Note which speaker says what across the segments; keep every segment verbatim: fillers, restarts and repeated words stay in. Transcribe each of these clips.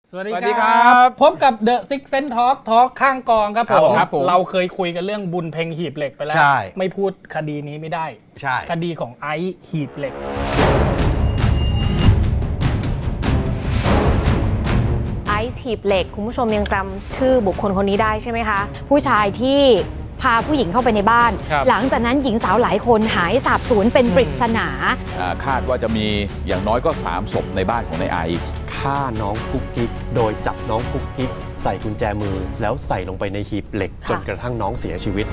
Speaker 1: สวัสดีครับพบกับ The Six Sense Talk Talk ข้างกองครับผมเราเคยคุยกันเรื่องบุญเพ็งหีบเหล็กไปแล้วไม่พูดคดีนี้ไม่ได้
Speaker 2: ใช่
Speaker 1: คดีของไอซ์หีบเหล็ก
Speaker 3: ไอซ์หีบเหล็กคุณผู้ชมยังจำชื่อบุคคลคนนี้ได้ใช่ไหมคะ
Speaker 4: ผู้ชายที่พาผู้หญิงเข้าไปในบ้านหลังจากนั้นหญิงสาวหลายคนหายสาบสูญเป็นปริศนา
Speaker 5: คาดว่าจะมีอย่างน้อยก็สามศพในบ้านของนายไอซ์
Speaker 6: ฆ่าน้องกุ๊กกิ๊กโดยจับน้องกุ๊กกิ๊กใส่กุญแจมือแล้วใส่ลงไปในหีบเหล็กจนกระทั่งน้องเสียชีวิต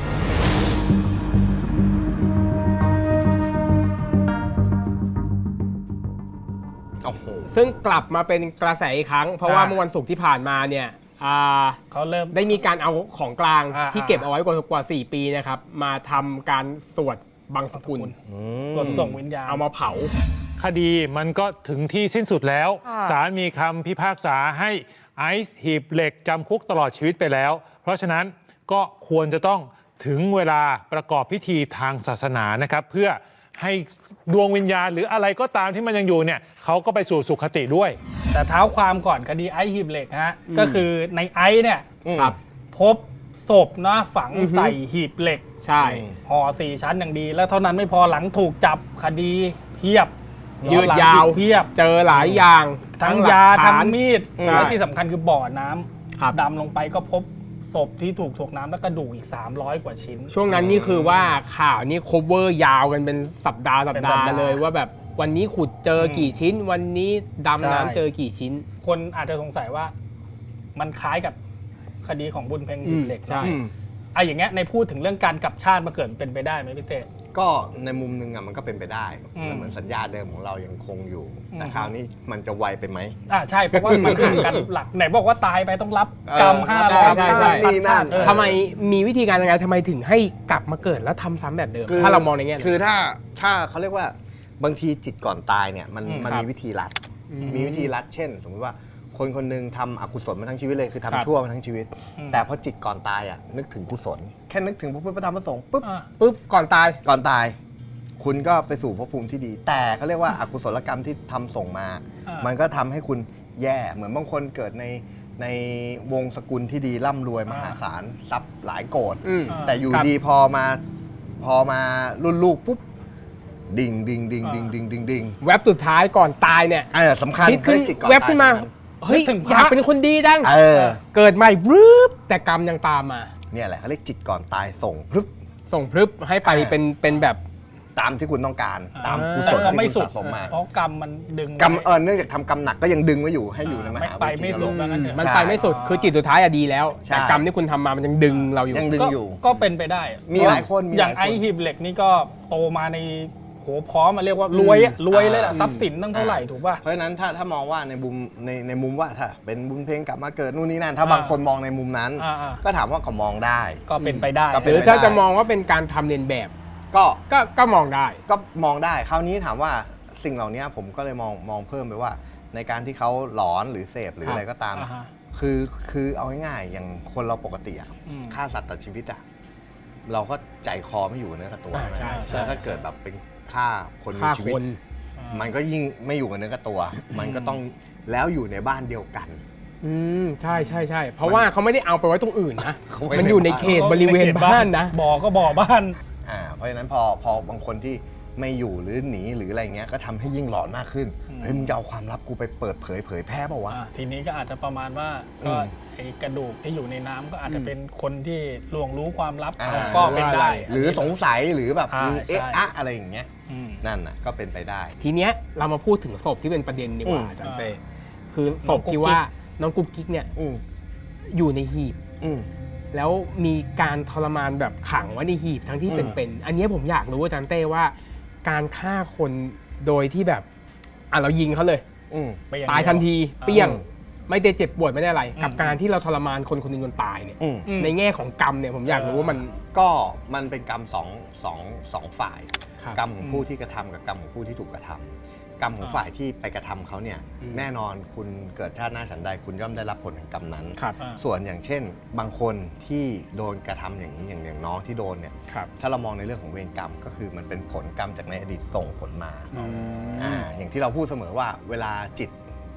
Speaker 7: ซึ่งกลับมาเป็นกระแสอีกครั้งเพราะว่าเมื่อวันศุกร์ที่ผ่านมาเนี่ย
Speaker 1: เขาเริ่ม
Speaker 7: ได้มีการเอาของกลางที่เก็บเอาไว้กว่ากว่าสี่ปีนะครับมาทำการสวดบังสกุล
Speaker 1: สวดส่งวิญญาณ
Speaker 7: เอามาเผา
Speaker 8: คดีมันก็ถึงที่สิ้นสุดแล้วศาลมีคำพิพากษาให้ไอซ์หีบเหล็กจำคุกตลอดชีวิตไปแล้วเพราะฉะนั้นก็ควรจะต้องถึงเวลาประกอบพิธีทางศาสนานะครับเพื่อให้ดวงวิญญาณหรืออะไรก็ตามที่มันยังอยู่เนี่ยเขาก็ไปสู่สุคติด้วย
Speaker 1: แต่เท้าความก่อนคดีไอซ์หีบเหล็กฮะก็คือในไอซ์เนี่ยพบศพนะฝังใส่หีบเหล็ก
Speaker 7: ใช่
Speaker 1: ห่อสี่ชั้นอย่างดีแล้วเท่านั้นไม่พอหลังถูกจับคดีเพียบ
Speaker 7: ยืดยาว
Speaker 1: เพียบ
Speaker 7: เจอหลายอย่าง
Speaker 1: ทั้งยาทั้งมีดและที่สำคัญคือบ่อน้ำดำลงไปก็พบศพที่ถูกถ่วงน้ำและกระดูกอีกสามร้อยกว่าชิ้น
Speaker 7: ช่วงนั้นนี่คือว่าข่าวนี่ cover ยาวกันเป็นสัปดาห์สัปดาห์เลยว่าแบบวันนี้ขุดเจอกี่ชิ้นวันนี้ดำน้ำเจอกี่ชิ้น
Speaker 1: คนอาจจะสงสัยว่ามันคล้ายกับคดีของบุญเพ็งหีบเหล็กใช่ไอ้อย่างเงี้ยในพูดถึงเรื่องการกลับชาติมาเกิดเป็นไปได้ไหมพี่เต้
Speaker 2: ก็ในมุมนึงอ่ะมันก็เป็นไปได้เหมือนสัญญาเดิมของเรายังคงอยู่แต่คราวนี้มันจะไวไปไหม
Speaker 1: อ่าใช่เพราะว่ามันห่างกันหลักไหนบอกว่าตายไปต้องรับกรรมห้าร้อย
Speaker 7: ใช่ใช่ทำไมมีวิธีการยังไงทำไมถึงให้กลับมาเกิดแล้วทำซ้ำแบบเดิมถ้าเรามองในแง่
Speaker 2: คือถ้าถ้าเขาเรียกว่าบางทีจิตก่อนตายเนี่ยมันมันมีวิธีลัดมีวิธีลัดเช่นสมมติว่าคนคนหนึ่งทำอกุศลมาทั้งชีวิตเลยคือทำชั่วมาทั้งชีวิตแต่พอจิตก่อนตายอ่ะนึกถึงกุศลแค่นึกถึงพระพุทธพระธรรมพระสงฆ์ปุ๊บ
Speaker 7: ปุ๊บก่อนตาย
Speaker 2: ก่อนตายคุณก็ไปสู่ภพภูมิที่ดีแต่เขาเรียกว่าอกุศลกรรมที่ทำส่งมามันก็ทำให้คุณแย่เหมือนบางคนเกิดในในวงสกุลที่ดีร่ำรวยมหาศาลทรัพย์หลายโกฏแต่อยู่ดีพอมาพอมารุ่นลูกปุ๊บดิ่งดิ่งดิ่งดิ่งดิ่งดิ่งดิ่ง
Speaker 7: แว็บสุดท้ายก่อนตายเนี่ย
Speaker 2: สำคัญ
Speaker 7: ขึ้นแว็บขึ้นมาเฮ้ยอยากเป็นคนดีจังเกิดใหม่รึบแต่กรรมยังตามมา
Speaker 2: เนี่ยแหละเขาเรียกจิตก่อนตายส่งพรึบ
Speaker 7: ส่งพรึบให้ไปเป็นเป็นแบบ
Speaker 2: ตามที่คุณต้องการตามกุศลที่คุณสะสมมา
Speaker 1: เพราะกรรมมันดึง
Speaker 2: กรรมเออเนื่องจากทำกรรมหนักก็ยังดึงไว้อยู่ให้อยู่ในมหาวิจิตรโลก
Speaker 7: มันไปไม่สุดคือจิตสุดท้ายอะดีแล้วแต่กรรมที่คุณทำมามันยังดึงเราอยู่
Speaker 2: ยังดึงอยู่
Speaker 1: ก็เป็นไปได้
Speaker 2: มีหลายคน
Speaker 1: อย่างไอหีบเหล็กนี่ก็โตมาในโหพร้อมมาเรียกว่ารวยรวยเลยแหละทรัพย์สินตั้งเท่าไหร่ถูกป่ะ
Speaker 2: เพราะฉะนั้นถ้าถ้ามองว่าในมุมในในมุมว่าถ้าเป็นบุญเพ็งกลับมาเกิดนู่นนี่นั่นถ้าบางคนมองในมุมนั้นก็ถามว่าก็มองได้
Speaker 1: ก็เป็นไปได้
Speaker 7: หรือถ้าจะมองว่าเป็นการทำเลียนแบบ
Speaker 2: ก็
Speaker 7: ก็ก็มองได้
Speaker 2: ก็มองได้คราวนี้ถามว่าสิ่งเหล่านี้ผมก็เลยมองมองเพิ่มไปว่าในการที่เขาหลอนหรือเสพหรืออะไรก็ตามคือคือเอาง่ายๆอย่างคนเราปกติอะฆ่าสัตว์ตัดชีวิตอะเราก็ใจคอไม่อยู่เนื้อกับตัวแล้วถ้าเกิดแบบเป็นฆ่าคนมีชีวิตมันก็ยิ่งไม่อยู่กับเนื้อกับตัวมันก็ต้องแล้วอยู่ในบ้านเดียวกัน
Speaker 7: อืมใช่ใช่ใช่เพราะว่าเขาไม่ได้เอาไปไว้ตรงอื่นนะมันอยู่ในเขตบริเวณบ้านนะ
Speaker 1: บ่อก็บ่อบ้าน
Speaker 2: อ่าเพราะฉะนั้นพอพอบางคนที่ไม่อยู่หรือหนีหรืออะไรเงี้ยก็ทำให้ยิ่งหลอนมากขึ้นเฮ้ยมึงจะเอาความลับกูไปเปิดเผยเผยแพร่เปล่าวะ
Speaker 1: ทีนี้ก็อาจจะประมาณว่าก็ไอ้กระดูกที่อยู่ในน้ำก็อาจจะเป็นคนที่ล่วงรู้ความลับก็เป็นได้
Speaker 2: หรือสงสัยหรือแบบมีเอ๊ะอะอะไรอย่างเงี้ยนั่นน่ะก็เป็นไปได้
Speaker 7: ทีเนี้ยเรามาพูดถึงศพที่เป็นประเด็นดีกว่าอาจารย์เต้คือศพที่ว่าน้องกุ๊กกิ๊กเนี่ยอยู่ในหีบแล้วมีการทรมานแบบขังไว้ในหีบทั้งที่เป็นๆอันนี้ผมอยากรู้อาจารย์เต้ว่าการฆ่าคนโดยที่แบบอ่ะเรายิงเขาเลยตายทันทีเปี้ยงไม่ได้เจ็บปวดไม่ได้อะไรกับการที่เราทรมานคนคนหนึ่งจนตายเนี่ยในแง่ของกรรมเนี่ยผมอยากรู้ว่ามัน
Speaker 2: ก็มันเป็นกรรมสองสองสองฝ่ายกรรมของผู้ที่กระทำกับกรรมของผู้ที่ถูกกระทำกรรมของฝ่ายที่ไปกระทำเขาเนี่ยแน่นอนคุณเกิดชาติหน้าฉันใดคุณย่อมได้รับผลแห่งกรรมนั้นส่วนอย่างเช่นบางคนที่โดนกระทำอย่างนี้อย่างอย่างน้องที่โดนเนี่ยถ้าเรามองในเรื่องของเวรกรรมก็คือมันเป็นผลกรรมจากในอดีตส่งผลมาอ่าอย่างที่เราพูดเสมอว่าเวลาจิต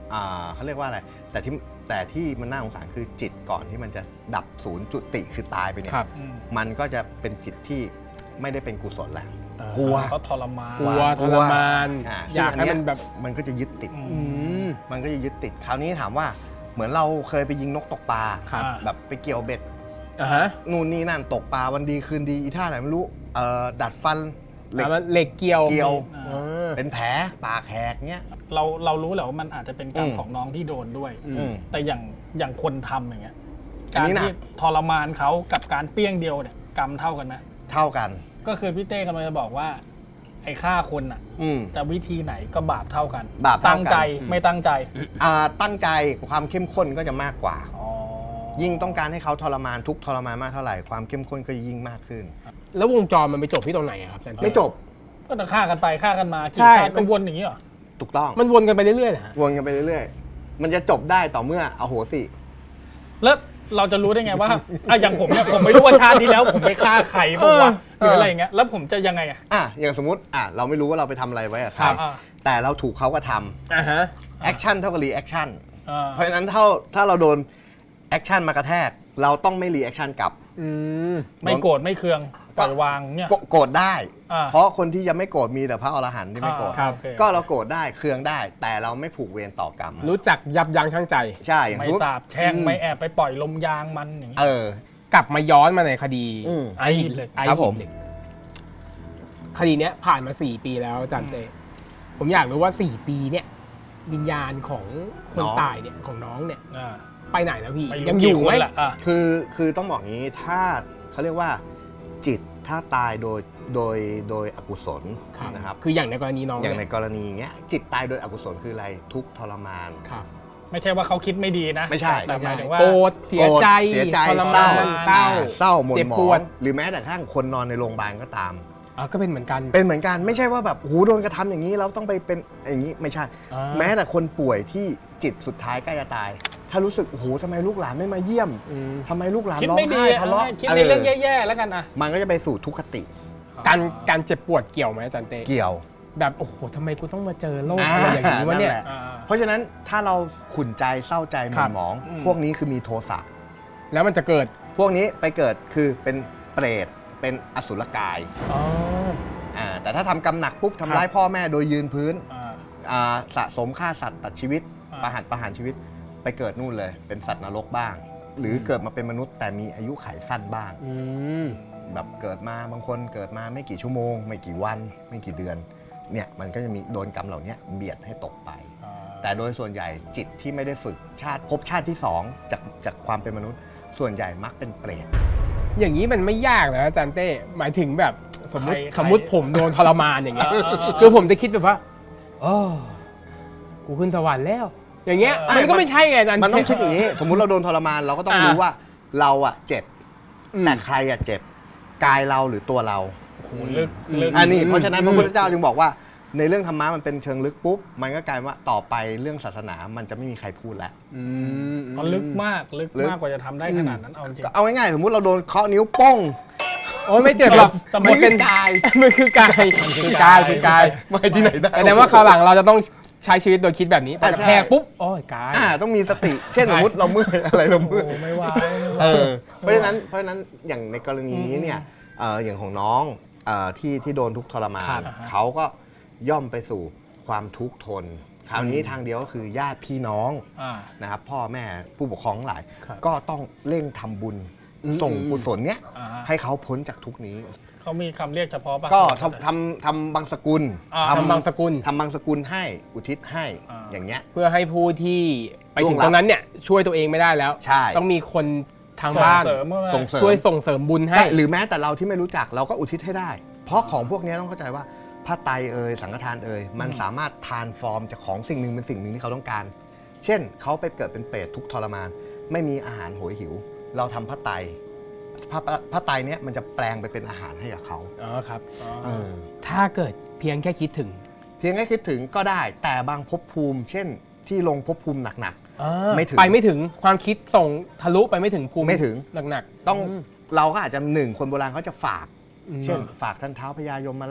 Speaker 2: อ่าเขาเรียกว่าอะไรแต่ที่แต่ที่มันน่าสงสารคือจิตก่อนที่มันจะดับศูนย์จุติคือตายไปเนี่ย
Speaker 7: ครับ
Speaker 1: อืม
Speaker 2: มันก็จะเป็นจิตที่ไม่ได้เป็นกุศลแล้วกลัว
Speaker 1: เขาทรมาน
Speaker 7: กลัวทรมาน
Speaker 2: อ่า
Speaker 7: อยากให้มันแบบ
Speaker 2: มันก็จะยึดติด
Speaker 1: อืม
Speaker 7: อืม
Speaker 2: มันก็จะยึดติดคราวนี้ถามว่าเหมือนเราเคยไปยิงนกตกปลา
Speaker 7: ครับ
Speaker 2: แบบไปเกี่ยวเบ็ด
Speaker 7: อ่าฮะ
Speaker 2: นู่นนี่นั่นตกปลาวันดีคืนดีอีท่าไหนไม่รู้เอ่อดัดฟันเหล็ก
Speaker 7: อ่ามันเหล็กเกี่ยว
Speaker 2: เกี่ยว
Speaker 7: อ่า
Speaker 2: เป็นแผลปากแหกเงี้ย
Speaker 1: เราเรารู้แหละว่ามันอาจจะเป็นกรรม
Speaker 2: อืม
Speaker 1: ของน้องที่โดนด้วย
Speaker 7: อืม
Speaker 2: อืม
Speaker 1: แต่อย่างอย่างคนทำอย่างเงี้ย
Speaker 2: อัน
Speaker 1: การ
Speaker 2: นี้หนัก
Speaker 1: ที่ทรมานเขากับการเปี้ยงเดียวเนี่ยกรรมเท่ากันไหม
Speaker 2: เท่ากัน
Speaker 1: ก็คือพี่เต้กำลังจะบอกว่าไอ้ฆ่าคนอ่ะ
Speaker 2: อืม
Speaker 1: จะวิธีไหนก็บาปเท่ากัน
Speaker 2: บาปเท่ากัน
Speaker 1: ตั้งใจไม่ตั้งใจ
Speaker 2: อ่าตั้งใจความเข้มข้นก็จะมากกว่า
Speaker 1: อ๋อ
Speaker 2: ยิ่งต้องการให้เขาทรมานทุกข์ทรมานมากเท่าไหร่ความเข้มข้นก็ยิ่งมากขึ้น
Speaker 7: แล้ววงจรมันไปจบที่ตรงไหนอะครับอาจารย์
Speaker 2: ไม่จบ
Speaker 1: ก็จะฆ่ากันไปฆ่ากันมากี่
Speaker 7: ใช่
Speaker 1: ชาติก็วนอย่างนี้เหรอ
Speaker 2: ถูกต้อง
Speaker 7: มันวนกันไปเรื่อยๆเหรอฮะ
Speaker 2: วนกันไปเรื่อยๆ มันจะจบได้ต่อเมื่ออโหสิ
Speaker 1: แล้วเราจะรู้ได้ไงว่า อ่ะอย่างผมเนี่ยผมไม่รู้ว่าชาติที่แล้ว ผมไปฆ่าใครบ้างวะหรืออะไรอย่างเงี้ยแล้วผมจะยังไงอ่ะ
Speaker 2: อ่ะอย่างสมมติอ่ะเราไม่รู้ว่าเราไปทำอะไรไว้กับใคร
Speaker 1: ครับอ่า
Speaker 2: แต่เราถูกเขาก็ท
Speaker 7: อ่าฮะ
Speaker 2: ำแอคชั่นเท่ากับรีแอคชั่น
Speaker 1: อ่า
Speaker 2: เพราะฉะนั้นถ้าถ้าเราโดนแอคชั่นมากระแทก เราต้องไม่รีแอคชั่นกลับ
Speaker 7: อืม
Speaker 1: ไม่โกรธไม่เคืองปล่อยวางเนี่ย
Speaker 2: โกโกรธได้
Speaker 1: อ่า
Speaker 2: เพราะคนที่ยังไม่โกรธมีแต่พระอรหันต์ที่ไม่โกรธ
Speaker 1: อ่าโอค
Speaker 2: ก็เราโกรธได้เคืองได้ แต่เราไม่ผูกเวรต่อกรรม
Speaker 7: รู้จักยับยั้งชั่งใจ
Speaker 2: ใช่อย่าง
Speaker 1: ไม่
Speaker 2: สมมติ
Speaker 1: สาบแช่ง
Speaker 7: อืม
Speaker 1: ไม่แอบไปปล่อยลมยางมันอย่างเงี้ย
Speaker 2: เออ
Speaker 7: กลับมาย้อนมาในคดี
Speaker 2: อืม
Speaker 7: ไอ้หีบเหล็กไอ้
Speaker 2: ครับ
Speaker 7: หี
Speaker 2: ผม
Speaker 7: บเหล็กคดีเนี้ยผ่านมาสี่ปีแล้วอาจารย์เต้ผมอยากรู้ว่าสี่ปีเนี่ย วิญญาณของคนตายเนี่ยของน้องเนี่ย
Speaker 1: อ่า
Speaker 7: ไปไหนแล้วพี่
Speaker 1: ไม่
Speaker 7: ยั
Speaker 1: รู้
Speaker 7: งอ
Speaker 1: กี่
Speaker 7: ยู่
Speaker 1: ค
Speaker 7: ไหม
Speaker 1: นแหละอ่ะ
Speaker 2: คือคือต้องบอกงี้ถ้าเขาเรียกว่าจิตถ้าตายโดยโดยโดยอกุศลนะครับ
Speaker 7: คืออย่างในกรณีน้อง
Speaker 2: อย่างใน
Speaker 7: เนี่ย
Speaker 2: กรณีเงี้ยจิตตายโดยอกุศลคืออะไรทุกข์ทรมาน
Speaker 7: ครับ
Speaker 1: ไม่ใช่ว่าเขาคิดไม่ดีนะ
Speaker 2: ไม่ใช่
Speaker 1: แต่หมายถึงว่า
Speaker 7: โกรธเสียใจ
Speaker 2: เสียใจ
Speaker 7: ทร
Speaker 2: เศร้าม
Speaker 7: านเศร้า
Speaker 2: เศร้าหม่น
Speaker 7: เจ็บ
Speaker 2: หม
Speaker 7: ป
Speaker 2: อ
Speaker 7: วด
Speaker 2: งหรือแม้แต่กระทั่งคนนอนในโรงพยาบาลก็ตาม
Speaker 7: อ่าก็เป็นเหมือนกัน
Speaker 2: เป็นเหมือนกันไม่ใช่ว่าแบบโหโดนกระทำอย่างนี้เราต้องไปเป็นอย่างนี้ไม่ใช่
Speaker 7: อ่า
Speaker 2: แม้แต่คนป่วยที่จิตสุดท้ายใกล้จะตาย ถ้ารู้สึกโอ้โหทำไมลูกหลานไม่มาเยี่ยม
Speaker 7: อืม
Speaker 2: ทำไมลูกหลาน
Speaker 1: คิด
Speaker 2: ร้อง
Speaker 1: ไม่ดี
Speaker 2: ไห้
Speaker 1: อ่ะ
Speaker 2: ทะเลาะ
Speaker 1: คิดในเรื่องแย่ๆแล้วกันอ่ะ
Speaker 2: มันก็จะไปสู่ทุกขติ
Speaker 7: การการเจ็บปวดเกี่ยวไหมอาจารย์เต้
Speaker 2: เกี่ยว
Speaker 7: แบบโอ้โหทำไมกูต้องมาเจอโรค
Speaker 2: อ่า
Speaker 7: อะไรอย่างนี้วะเนี่ย
Speaker 2: นั่นแหละ
Speaker 1: อ่า
Speaker 2: เพราะฉะนั้นถ้าเราขุ่นใจเศร้าใจห
Speaker 7: ค
Speaker 2: ม่
Speaker 7: รั
Speaker 2: น
Speaker 7: บ
Speaker 2: หมอง
Speaker 1: อืม
Speaker 2: พวกนี้คือมีโทสะ
Speaker 7: แล้วมันจะเกิด
Speaker 2: พวกนี้ไปเกิดคือเป็นเปรตเป็นอสุรกาย
Speaker 7: อ๋อ
Speaker 2: อ่าแต่ถ้าทำกรรมหนักปุ๊บ
Speaker 7: ครับ
Speaker 2: ทำร้ายพ่อแม่โดยยืนพื้น
Speaker 1: อ่า
Speaker 2: อ่าสะสมฆ่าสัตว์ตัดชีวิต
Speaker 1: อ่า
Speaker 2: ประหารประหารชีวิตไปเกิดนู่นเลย เป็นสัตว์นรกบ้าง หรือเกิดมาเป็นมนุษย์แต่มีอายุขัยสั้นบ้าง
Speaker 7: อืม
Speaker 2: แบบเกิดมาบางคนเกิดมาไม่กี่ชั่วโมง ไม่กี่วัน ไม่กี่เดือนเนี่ยมันก็จะมีโดนกรรมเหล่านี้เบียดให้ตกไป
Speaker 1: อ่า
Speaker 2: แต่โดยส่วนใหญ่จิตที่ไม่ได้ฝึกชาติภพชาติที่สองจากจากความเป็นมนุษย์ ส่วนใหญ่มักเป็นเปรต
Speaker 7: อย่างนี้มันไม่ยากนะอาจารย์เต้หมายถึงแบบสมมติ
Speaker 1: ใคร
Speaker 7: สมมติผมโดนทรมานอย่างเงี้ย
Speaker 1: เออเออเออ
Speaker 7: คือผมจะคิดแบบว่าโอ้กูขึ้นสวรรค์แล้ว อย่างเงี้ย
Speaker 1: เออ
Speaker 7: มันก็ไม่ใช่ไงอาจารย์
Speaker 2: มันต้องคิดอย่างนี้ สมมุติเราโดนทรมานเราก็ต้อง
Speaker 7: อ่า
Speaker 2: รู้ว่าเราอะเจ็บ
Speaker 7: อืม
Speaker 2: แต่ใครอะเจ็บกายเราหรือตัวเรา
Speaker 1: โอ้โหลึกลึก
Speaker 2: อันนี้เพราะฉะนั้น
Speaker 7: อืม
Speaker 2: พระพุทธเจ้าจึงบอกว่าในเรื่องธรรมะมันเป็นเชิงลึกปุ๊บมันก็กลายว่าต่อไปเรื่องศาสนามันจะไม่มีใครพูดแล้ว
Speaker 7: อืม
Speaker 1: มันลึกมากลึก
Speaker 2: ลึก
Speaker 1: มากกว่าจะทำได้ขนาดนั้นเอาจริง
Speaker 2: ก็เอาง่ายๆสมมุติเราโดนเคาะนิ้วโป้ง
Speaker 7: โอ้ยไม่เจ็บหรอก
Speaker 1: สมมุติ
Speaker 7: มันเป็น
Speaker 2: กาย
Speaker 7: มันคือกายคือกายคือกาย
Speaker 2: ไม่ที่ไหนได้
Speaker 7: แสดงว่าคราวหลังเราจะต้องใช้ชีวิตโดยคิดแบบนี้พอกระ
Speaker 2: ใช่
Speaker 7: แทกปุ๊บโอ้ยกาย
Speaker 2: อ่าต้องมีสติ เช่นสมมติเราเมื่อยอะไรเรา
Speaker 1: โอ้
Speaker 2: เมื่อย
Speaker 1: โหไม่ไหวไม่ไหว
Speaker 2: เออเพราะฉะนั้นเพราะฉะนั้นอย่างในกรณีนี้เนี่ยเอ่ออย่างของน้องเอ่อที่ที่โดนทุกข์ทรมา
Speaker 1: ครั
Speaker 2: น
Speaker 1: บ
Speaker 2: เขาก็ย่อมไปสู่ความทุกข์ทน คราวนี้ทางเดียวก็คือญาติพี่น้อง
Speaker 1: อ่า
Speaker 2: นะครับพ่อแม่ผู้ปกครองทั้งหลาย
Speaker 7: ครับ
Speaker 2: ก็ต้องเร่งทำบุญ
Speaker 7: อืม
Speaker 2: ส่งกุศลเนี้ย
Speaker 1: อ่าฮะ
Speaker 2: ให้เขาพ้นจากทุกข์นี้
Speaker 1: เขามีคำเรียกเฉพาะป่ะ
Speaker 2: ก็ทำทำทำบางสกุล
Speaker 1: อ่า
Speaker 7: ทำบางสกุล
Speaker 2: ทำบางสกุลให้อุทิศให้
Speaker 1: อ่า
Speaker 2: อย่างเงี้ย
Speaker 7: เพื่อให้ผู้ที่ไปถึง
Speaker 2: ล่วงลับ
Speaker 7: ตรงนั้นเนี่ยช่วยตัวเองไม่ได้แล้ว
Speaker 2: ใช่
Speaker 7: ต้องมีคนทางบ้าน
Speaker 1: ส่งเสริมเมื่อไหร่
Speaker 2: ส่งเสริม
Speaker 7: ช่วยส่งเสริมบุญให้
Speaker 2: ใช่หรือแม้แต่เราที่ไม่รู้จักเราก็อุทิศให้ได้ เพราะของพวกนี้ต้องเข้าใจว่าผ้าไตรเอ่ยสังฆทานเอ่ยมันสามารถทานฟอร์มจากของสิ่งหนึ่งเป็นสิ่งหนึ่งที่เขาต้องการ เช่นเขาไปเกิดเป็นเปรตทุกข์ทรมาน ไม่มีอาหารโหยหิว เราทำผ้าไตรผ้าผ้าไตรเนี้ยมันจะแปลงไปเป็นอาหารให้กับเขา
Speaker 7: อ๋อครับ
Speaker 2: เออ
Speaker 7: ถ้าเกิดเพียงแค่คิดถึง
Speaker 2: เพียงแค่คิดถึงก็ได้ แต่บางภพภูมิ เช่น ที่ลงภพภูมิหนัก
Speaker 7: อ่า
Speaker 2: ไม่ถึง
Speaker 7: ไปไม่ถึงความคิดส่งทะลุไปไม่ถึงภูมิ
Speaker 2: ไม่ถึง
Speaker 7: หนัก
Speaker 2: ๆ ต้อง
Speaker 7: ม
Speaker 2: เราก็อาจจะหนึ่งคนโบราณเขาจะฝาก
Speaker 7: อืม
Speaker 2: เช่น ฝากท่านเท้าพญายมราช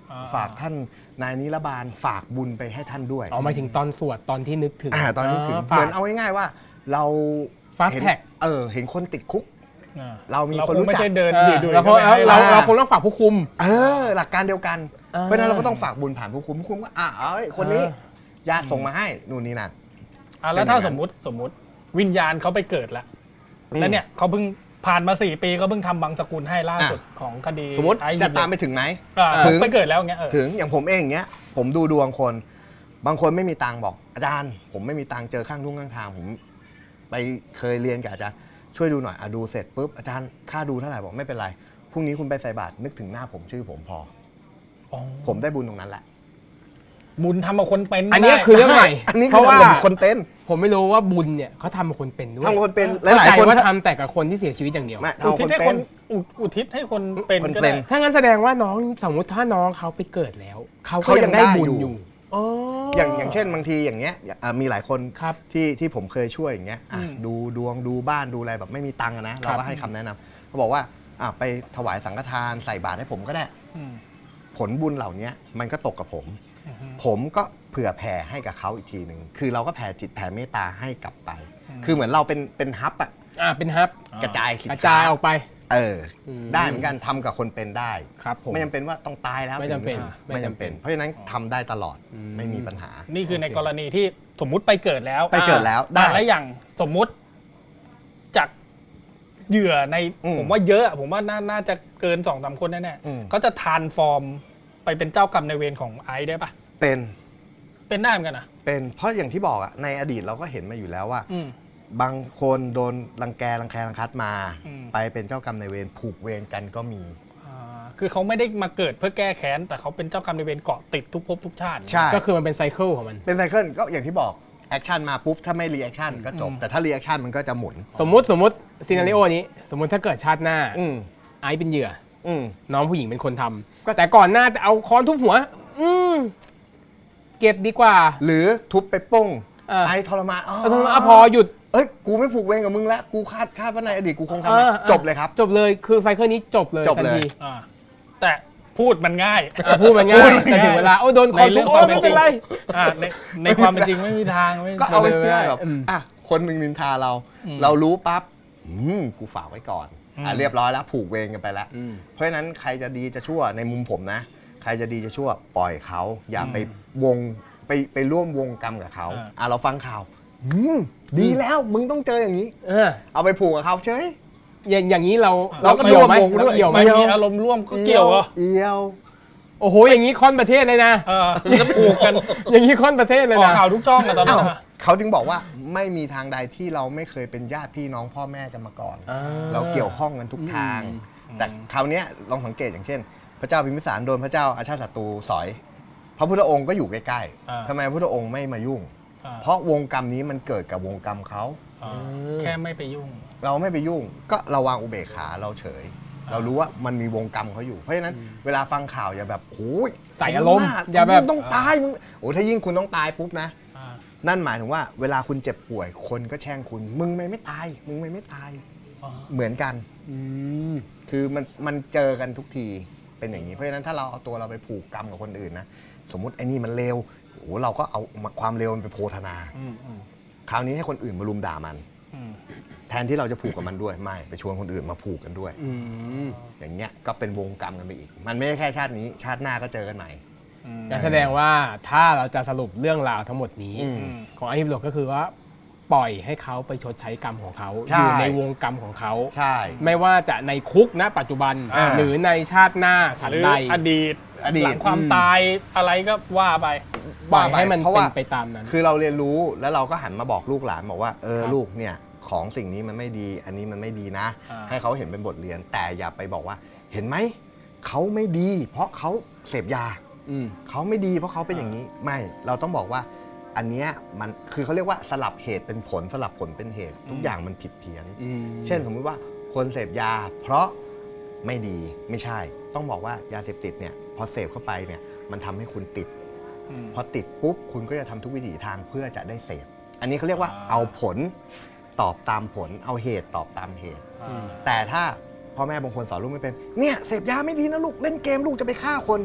Speaker 1: อ่า
Speaker 2: ฝากท่านนายนิรบาลฝากบุญไปให้ท่านด้วย
Speaker 7: เอาหมายถึงตอนสวดตอนที่นึกถึง
Speaker 2: อ่าตอนที่ถึง
Speaker 7: ฝาก
Speaker 2: เหมือนเอาง่ายๆว่า เรา
Speaker 7: Fast
Speaker 2: เห็น
Speaker 7: tag
Speaker 2: เออเห็นคนติดคุก
Speaker 1: อ่า
Speaker 2: เรามี
Speaker 1: เรา
Speaker 2: คน
Speaker 1: คง
Speaker 2: รู้
Speaker 1: ไม่
Speaker 2: จัก
Speaker 1: ใช่เดิน
Speaker 7: เออ
Speaker 1: ดุยๆ
Speaker 7: เราค
Speaker 1: ก็
Speaker 7: ง
Speaker 1: ไม่ให้
Speaker 7: เรา
Speaker 2: อ่า
Speaker 7: เราคงต้องฝากผู้คุม
Speaker 2: เออหลักการเดียวกัน
Speaker 7: อ่า
Speaker 2: เพราะฉะนั้นเราก็ต้องฝากบุญผ่านผู้คุมผู้คุมก็อ่ะเอ้ยคนนี้ญาติส่งมาให้นู่นนี่นั่น
Speaker 1: อ่ะแล้วถ้า
Speaker 2: เป็นอย่างนั้น
Speaker 1: สมมติสมมติวิญญาณเขาไปเกิดแล้วแล้วเนี่ยเขาเพิ่งผ่านมาสี่ปีก็เพิ่งทำบังสกุลให้ล่าสุดของคดี
Speaker 2: สมมติ
Speaker 1: ไอ้
Speaker 2: จะตามไปถึงไหม
Speaker 1: อ่า
Speaker 2: ถึง
Speaker 1: ไปเกิดแล้วอย่างเงี้ยเออ
Speaker 2: ถึงอย่างผมเองอย่างเงี้ยผมดูดวงคน บางคนไม่มีตังค์บอกอาจารย์ ผมไม่มีตังค์เจอข้างทุ่งข้างทางผมไปเคยเรียนกับอาจารย์ช่วยดูหน่อยอะดูเสร็จปุ๊บอาจารย์ค่าดูเท่าไหร่บอกไม่เป็นไรพรุ่งนี้คุณไปใส่บาตรนึกถึงหน้าผมชื่อผมพอ
Speaker 1: อ๋อ
Speaker 2: ผมได้บุญตรงนั้นแหละ
Speaker 1: บุญทำกับคนเป็น
Speaker 7: อันเนี้ย
Speaker 1: ได้
Speaker 7: คือเรื่องใหม่
Speaker 2: อันนี้
Speaker 7: เพ
Speaker 2: คือ
Speaker 7: ราะว่า
Speaker 2: ทำกับคนเป็น
Speaker 7: ผมไม่รู้ว่าบุญเนี่ยเขาทำกับคนเป็นด้วย
Speaker 2: ทำกับคนเป็นห
Speaker 7: เข้า
Speaker 2: ลาย
Speaker 7: ใจ
Speaker 2: ๆคน
Speaker 7: ว่าทำแต่กับคนที่เสียชีวิตอย่างเดียว
Speaker 2: ไม่
Speaker 1: อุ
Speaker 2: ทำกับ
Speaker 1: ทิ
Speaker 2: ค
Speaker 1: ศ
Speaker 2: น
Speaker 1: ให้
Speaker 2: เป็
Speaker 1: คน นอุอุทิศให้คนเป็น
Speaker 2: คน
Speaker 1: ก็
Speaker 2: เป็
Speaker 1: ได้
Speaker 2: น
Speaker 7: ถ้างั้นแสดงว่าน้องสมมติถ้าน้องเขาไปเกิดแล้ว เขาก็
Speaker 2: เขายั
Speaker 7: ยัง
Speaker 2: ง
Speaker 7: ได้
Speaker 2: ได้
Speaker 7: บุญ
Speaker 2: อยู่
Speaker 7: อยู่อ๋อ
Speaker 2: อย่างอย่างเช่นบางทีอย่างเงี้ยอ่ะมีหลายคน
Speaker 7: ครับ
Speaker 2: ที่ที่ผมเคยช่วยอย่างเงี้ยอ่ะดูดวงดูบ้านดูอะไรแบบไม่มีตังค์อะนะเราก็ให้คำแนะนำเขาบอกว่าอ่ะไปถวายสังฆทานใส่บาตรให้ผมก็ได้
Speaker 1: อืม
Speaker 2: ผลบุญเหล่านี้มันก็ตกกับผม
Speaker 1: อือฮึ
Speaker 2: ผมก็เผื่อแผ่ให้กับเขาอีกทีหนึ่งคือเราก็แผ่จิตแผ่เมตตาให้กลับไป
Speaker 1: อืม
Speaker 2: คือเหมือนเราเป็นเป็นฮับอะ
Speaker 7: อ่าเป็นฮับ
Speaker 2: กระจายสิน
Speaker 7: กระ
Speaker 2: ค้า
Speaker 7: จายออกไป
Speaker 2: เอออ
Speaker 7: ม
Speaker 2: ได้เหมือนกันทำกับคนเป็นได้
Speaker 7: ครับผม
Speaker 2: ไม่จำเป็นว่าต้องตายแล้ว
Speaker 7: ไม่จำเป็น
Speaker 2: ถึงจะ
Speaker 7: ไม่
Speaker 2: ไม่
Speaker 7: จำ
Speaker 2: จำ
Speaker 7: เป็
Speaker 2: เป็น น เพราะฉะนั้นทำได้ตลอด
Speaker 7: อืม
Speaker 2: ไม่มีปัญหา
Speaker 1: นี่คือใน
Speaker 7: โอเค
Speaker 1: กรณีที่สมมุติไปเกิดแล้ว
Speaker 2: ไปเกิดแล้วได้
Speaker 1: อ่าแล้วอย่างสมมุติจากเหยื่อใน
Speaker 2: อืม
Speaker 1: ผมว่าเยอะอะผมว่าน่าน่าจะเกินสองสามคนแน่
Speaker 2: อืม
Speaker 1: ๆเขาจะทานฟอร์มไปเป็นเจ้ากรรมนายเวรของไอซ์ได้ปะ
Speaker 2: เป็น
Speaker 1: เป็นได้เหมือนกันนะ
Speaker 2: เป็นเพราะอย่างที่บอกอะในอดีตเราก็เห็นมาอยู่แล้วว่า
Speaker 1: อืม
Speaker 2: บางคนโดนรังแกรังแครังคัดมา
Speaker 1: อืม
Speaker 2: ไปเป็นเจ้ากรรมนายเวรผูกเวรกันก็มี
Speaker 1: อ่าคือเขาไม่ได้มาเกิดเพื่อแก้แค้น แต่เขาเป็นเจ้ากรรมนายเวรเกาะติดทุกภพทุกชาติ
Speaker 2: ใช่
Speaker 7: ก็คือมันเป็นไซเคิลของมัน
Speaker 2: เป็นไซเคิลก็อย่างที่บอกแอคชั่นมาปุ๊บถ้าไม่รีแอคชั่นก็จบ
Speaker 1: อืม
Speaker 2: แต่ถ้ารีแอคชั่นมันก็จะหมุน
Speaker 7: สมมติสมมติซีนารีโอนี้ สมมติถ้าเกิดชาติหน้า
Speaker 2: อืม
Speaker 7: ไอซ์เป็นเหยื่อ
Speaker 2: อืม
Speaker 7: น้องผู้หญิงเป็นคนทำ
Speaker 2: ก็
Speaker 7: แต่ก่อนหน้าจะเอาค้อนทุบหัว อืมเก็บดีกว่า
Speaker 2: หรือทุบไปป้ง
Speaker 7: เออ
Speaker 2: ไอทรมานอ๋อ
Speaker 7: เอาทำไมอ่ะพอหยุด
Speaker 2: เอ้ยกูไม่ผูกเวรกับมึงแล้วกูคาดคาดว่าในอดีตกูคงทำ
Speaker 7: เอ
Speaker 2: มา
Speaker 7: อ
Speaker 2: จบเลยครับ
Speaker 7: จบเลยคือไซเคิลนี้จบเลย
Speaker 2: จบเลย
Speaker 7: ทันที
Speaker 1: อ่าแต่พูดมันง่าย
Speaker 7: อ่ะพูดมันง่ายแต่ถึงเวลาโอ้โดนค้อน
Speaker 1: ใน
Speaker 7: ทุ
Speaker 1: เรื่
Speaker 7: บ
Speaker 1: อง
Speaker 7: โอ้
Speaker 1: ความเป็
Speaker 7: ไม่
Speaker 1: นจริ
Speaker 7: เป็น
Speaker 1: ง
Speaker 7: ไร
Speaker 1: อ่าในในความเป็นจริงไม่มีทางไม่มี
Speaker 2: ก็เอา
Speaker 7: ไม่
Speaker 2: ไว้
Speaker 7: ได้
Speaker 2: ง่ายๆแบบ
Speaker 7: อืม
Speaker 2: อ่ะคนหนึ่งนินทาเรา
Speaker 1: อืม
Speaker 2: เรารู้ปั๊บอืมกูฝากไว้ก่อน
Speaker 1: อืม
Speaker 2: อ่ะเรียบร้อยแล้วผูกเวรกันไปแล้ว
Speaker 7: อืม
Speaker 2: เพราะฉะนั้นใครจะดีจะชั่วในมุมผมนะ ใครจะดีจะชั่วปล่อยเขา อย่าไปวงไปไปร่วมวงกรรมกับเขา
Speaker 1: อ่า
Speaker 2: อ่ะเราฟังข่าวอืมดีแล้วมึงต้องเจออย่างนี้
Speaker 7: เออ
Speaker 2: เอาไปผูกกับเขาเฉย
Speaker 7: อย่างอย่างนี้เรา
Speaker 2: เราก็
Speaker 7: เกี่ยวไหม
Speaker 2: ร่วมวงด้วย
Speaker 7: เกี่ยวไหม
Speaker 1: มันมีอารมณ์ร่วมก็เกี่ยวเหรอ
Speaker 2: เอียว
Speaker 7: โอ้โหอย่างนี้ค่อนประเทศเลยนะ
Speaker 1: เออก็ผูกกัน
Speaker 7: อย่างนี้ค่อนประเทศเลย
Speaker 1: ออก
Speaker 7: นะ
Speaker 1: ข่าวทุกจ้องอะตอนนั้
Speaker 2: อ้าน ว
Speaker 1: อะ
Speaker 2: เขาจึงบอกว่าไม่มีทางใดที่เราไม่เคยเป็นญาติพี่น้องพ่อแม่กันมาก่อน
Speaker 7: อ่า
Speaker 2: เราเกี่ยวข้องกันทุกทาง แต่คราวเนี้ยลองสังเกตอย่างเช่น พระเจ้าพิมพิสารโดนพระเจ้าอาชาติศัตรูสอย พระพุทธองค์ก็อยู่ใกล้
Speaker 1: อ่า
Speaker 2: ๆทำไมพระพุทธองค์ไม่มายุ่ง
Speaker 1: อ่า
Speaker 2: เพราะวงกรรมนี้มันเกิดกับวงกรรมเขา
Speaker 1: อ่าแค่ไม่ไปยุ่ง
Speaker 2: เราไม่ไปยุ่ง ก็เราวางอุเบกขาเราเฉย เรารู้ว่ามันมีวงกรรมเขาอยู่ เพราะฉะนั้นเวลาฟังข่าวอย่าแบบโอ้ย
Speaker 7: ใส่อารมณ์
Speaker 2: สน้
Speaker 7: อย่าแบบ
Speaker 2: มึงต้องตายมึงโอ้ถ้ายิ่งคุณต้องตายปุ๊บนะ
Speaker 1: อ่า
Speaker 2: นั่นหมายถึงว่าเวลาคุณเจ็บป่วยคนก็แช่งคุณ มึงไม่ไม่ตาย มึงไม่ไม่ตาย
Speaker 1: อ่า
Speaker 2: เหมือนกัน
Speaker 7: อืม
Speaker 2: คือมันมันเจอกันทุกทีเป็นอย่างนี้ เพราะฉะนั้นถ้าเราเอาตัวเราไปผูกกรรมกับคนอื่นนะสมมุติไอ้นี่มันเลวโอ้เราก็เอาความเลวมันไปโพธนา
Speaker 1: อืมอืม
Speaker 2: คราวนี้ให้คนอื่นมารุมด่ามัน
Speaker 1: อืม
Speaker 2: แทนที่เราจะผูกกับมันด้วยไม่ไปชวนคนอื่นมาผูกกันด้วย
Speaker 7: อืม
Speaker 2: อย่างเงี้ยก็เป็นวงกรรมกันไปอีก มันไม่ใช่แค่ชาตินี้ชาติหน้าก็เจอกันใหม่
Speaker 1: อืม
Speaker 7: ก็แสดงว่าถ้าเราจะสรุปเรื่องราวทั้งหมดนี้
Speaker 2: อืม
Speaker 7: ของไอ้ฮิบโลก็คือว่าปล่อยให้เขาไปชดใช้กรรมของเขา
Speaker 2: ใช่
Speaker 7: อยู่ในวงกรรมของเขา
Speaker 2: ใช่
Speaker 7: ไม่ว่าจะในคุกณปัจจุบัน
Speaker 2: อ่า
Speaker 7: หรือในชาติหน้าฉัน
Speaker 1: หรือ
Speaker 7: ใด
Speaker 1: อดีต
Speaker 2: อดีต
Speaker 1: หลังความตายอะไรก็ว่าไป
Speaker 7: ปล่อยให้มัน
Speaker 2: เพราะ
Speaker 7: เป็
Speaker 2: ว่า
Speaker 7: นไปตามนั้น
Speaker 2: คือเราเรียนรู้แล้วเราก็หันมาบอกลูกหลานบอกว่าเออ
Speaker 7: ครับ
Speaker 2: ลูกเนี่ยของสิ่งนี้มันไม่ดี อันนี้มันไม่ดีนะ
Speaker 1: อ่า
Speaker 2: ให้เขาเห็นเป็นบทเรียน แต่อย่าไปบอกว่า เห็นไหมเขาไม่ดี เพราะเขาเสพยา
Speaker 7: อืม
Speaker 2: เขาไม่ดีเพราะเขาเป็นอย่างนี้ไม่เราต้องบอกว่าอันเนี้ยมันคือเขาเรียกว่าสลับเหตุเป็นผลสลับผลเป็นเหตุ ทุกอย่างมันผิดเพี้ยน
Speaker 7: อืม
Speaker 2: เช่นสมมุติว่าคนเสพยา เพราะไม่ดีไม่ใช่ ต้องบอกว่ายาเสพติดเนี่ยพอเสพเข้าไปเนี่ยมันทำให้คุณติด
Speaker 1: อืม
Speaker 2: พอติดปุ๊บคุณก็จะทำทุกวิถีทางเพื่อจะได้เสพอันนี้เขาเรียกว่า
Speaker 1: อ่า
Speaker 2: เอาผลตอบตามผล เอาเหตุตอบตามเหตุ
Speaker 1: อ่า
Speaker 2: แต่ถ้าพ่อแม่บางคนสอนลูกไม่เป็นเนี่ยเสพยาไม่ดีนะลูกเล่นเกมลูกจะไปฆ่าคน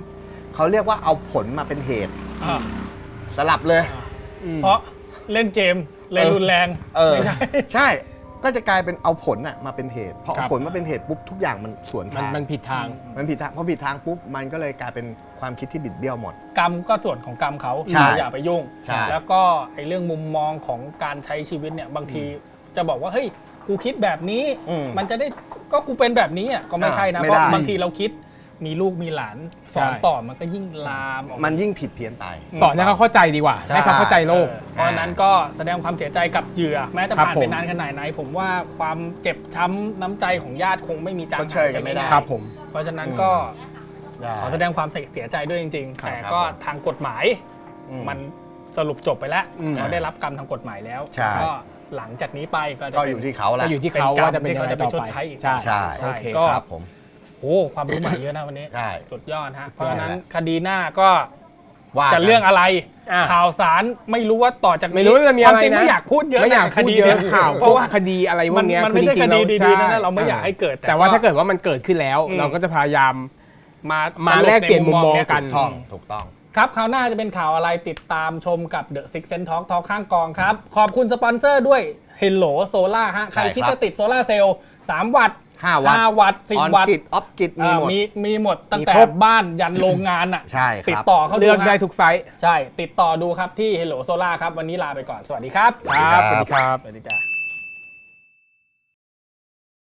Speaker 2: เขาเรียกว่าเอาผลมาเป็นเหตุ
Speaker 1: อ่า
Speaker 2: สลับเลย
Speaker 1: เพราะเล่นเกมเลยรุนแรง
Speaker 2: เออ
Speaker 1: ไม่ใช่
Speaker 2: ใช่ก็จะกลายเป็นเอาผลน่ะมาเป็นเหตุพอ
Speaker 7: ครั
Speaker 2: เอา
Speaker 7: บ
Speaker 2: ผลมาเป็นเหตุปุ๊บทุกอย่างมันสวน
Speaker 7: มัน
Speaker 2: ทาง
Speaker 7: มันผิดทาง
Speaker 2: มันผิดทางพอผิดทางปุ๊บมันก็เลยกลายเป็นความคิดที่บิดเบี้ยวหมด
Speaker 1: กรรมก็ส่วนของกรรมเขา
Speaker 2: ใช่
Speaker 1: อย่าไปยุ่ง
Speaker 2: ใช่
Speaker 1: แล้วก็ไอ้เรื่องมุมมองของการใช้ชีวิตเนี่ยบางทีจะบอกว่าเฮ้ยกูคิดแบบนี้
Speaker 2: อืม
Speaker 1: มันจะได้ก็กูเป็นแบบนี้อ่ะก็ไม่ใช่นะ
Speaker 2: ไม่
Speaker 1: เพ
Speaker 2: ได้
Speaker 1: ราะบางทีเราคิดมีลูกมีหลานสอน
Speaker 7: ใช่
Speaker 1: ต่อมันก็ยิ่งลามออก
Speaker 2: มันยิ่งผิดเพี้ยนไป
Speaker 7: สอนให้เขาเข้าใจดีกว่า ให้เขาเข้าใจโลก
Speaker 1: เออเพราะฉะนั้นก็แสดงความเสียใจกับเหยื่อแม้จะ
Speaker 7: ครับ
Speaker 1: ผ่าน
Speaker 7: ผม
Speaker 1: ไปนานขนาดไหน ผมว่าความเจ็บช้ำน้ำใจของญาติคงไม่มีจาง
Speaker 2: ชดเชยกันไม่ได้
Speaker 7: ครับผม
Speaker 1: เพราะฉะนั้นก็ขอแสดงความเสียใจด้วยจริง ๆ แต่ก็ทางกฎหมาย
Speaker 2: อืม
Speaker 1: มันสรุปจบไปแล้ว
Speaker 7: อืม
Speaker 1: เขาได้รับกรรมทางกฎหมายแล้ว
Speaker 2: ใช่
Speaker 1: ก็หลังจากนี้ไปก็จะ
Speaker 2: ก็
Speaker 1: เป็น
Speaker 2: อยู่ที่เขาแหละ
Speaker 7: ก็อยู่ที่เขาว่าจะเป็น
Speaker 1: ที่
Speaker 7: ยัง
Speaker 1: เขา
Speaker 7: ไง
Speaker 1: จะไป
Speaker 7: ต่อ
Speaker 1: ชด
Speaker 7: ไป
Speaker 1: ใช้อีก
Speaker 7: ใช่
Speaker 2: ใช่
Speaker 1: ใช่
Speaker 7: โอเค
Speaker 1: ก็
Speaker 2: ครับผม
Speaker 1: โอ้ความรู้ใหม่เยอะนะวันนี้
Speaker 2: ใช่
Speaker 1: สุดยอดฮะเพราะฉะนั้นคดีหน้าก็
Speaker 2: ว่า
Speaker 1: จะเรื่องอะไร
Speaker 7: อ่ะ
Speaker 1: ข่าวสารไม่รู้ว่าต่อจากนี้
Speaker 7: ไม่รู้ว่าจะมี
Speaker 1: ควา
Speaker 7: อะ
Speaker 1: ม
Speaker 7: ไร
Speaker 1: จริง
Speaker 7: นะ
Speaker 1: ไม่อยากพูดเยอะ
Speaker 7: ไม่อยาก
Speaker 1: ใน
Speaker 7: พูด
Speaker 1: ดี
Speaker 7: เยอะ
Speaker 1: นี่
Speaker 7: ข่าว
Speaker 1: เพราะว่า
Speaker 7: คดีอะไรพว
Speaker 1: มั
Speaker 7: ก
Speaker 1: น
Speaker 7: เนี้ย
Speaker 1: มันไม่ใช่
Speaker 7: อ
Speaker 1: ค
Speaker 7: จริ
Speaker 1: ดี
Speaker 7: งๆ
Speaker 1: ดีๆ
Speaker 7: ใช่
Speaker 1: นะเราไม่อยากให้เกิด
Speaker 7: แต่ว่าถ้าเกิดว่ามันเกิดขึ้นแล้ว
Speaker 1: อืม
Speaker 7: เราก็จะพยายาม
Speaker 1: มา
Speaker 7: มา
Speaker 1: สรุ
Speaker 7: แลกเปลี่ยนมุมมอง
Speaker 1: ใ
Speaker 7: กัน
Speaker 2: ถูกต้องถูกต้อง
Speaker 1: ครับคราวหน้าจะเป็นข่าวอะไรติดตามชมกับ The Six Sense Talk Talk ข้างกองครับ ขอบคุณสปอนเซอร์ด้วย Hello Solar ฮะใคร
Speaker 2: ใช่ครับ
Speaker 1: คิดจะติดโซลาร์เซลล์สามวัตต์
Speaker 2: ห้าวัตต์
Speaker 1: ห้าวัตต์สิบ
Speaker 2: ออน
Speaker 1: วัตต์
Speaker 2: กิจออฟกิจมี
Speaker 1: อ่า
Speaker 2: หมด
Speaker 1: มีมีหมดตั้ง
Speaker 7: มี
Speaker 1: แต่
Speaker 7: ครบ
Speaker 1: บ้านยันโรงงานอ่ะ
Speaker 2: ใช่ครับ
Speaker 1: ติดต่อเขาดู
Speaker 7: เลือกได้
Speaker 1: ฮะ
Speaker 7: ทุกไซส์
Speaker 1: ใช่ ติดต่อดูครับที่ Hello Solar ครับ วันนี้ลาไปก่อน สวัสดีครับ
Speaker 7: ครับสวัสดีครับ
Speaker 1: สวัสดีจ้า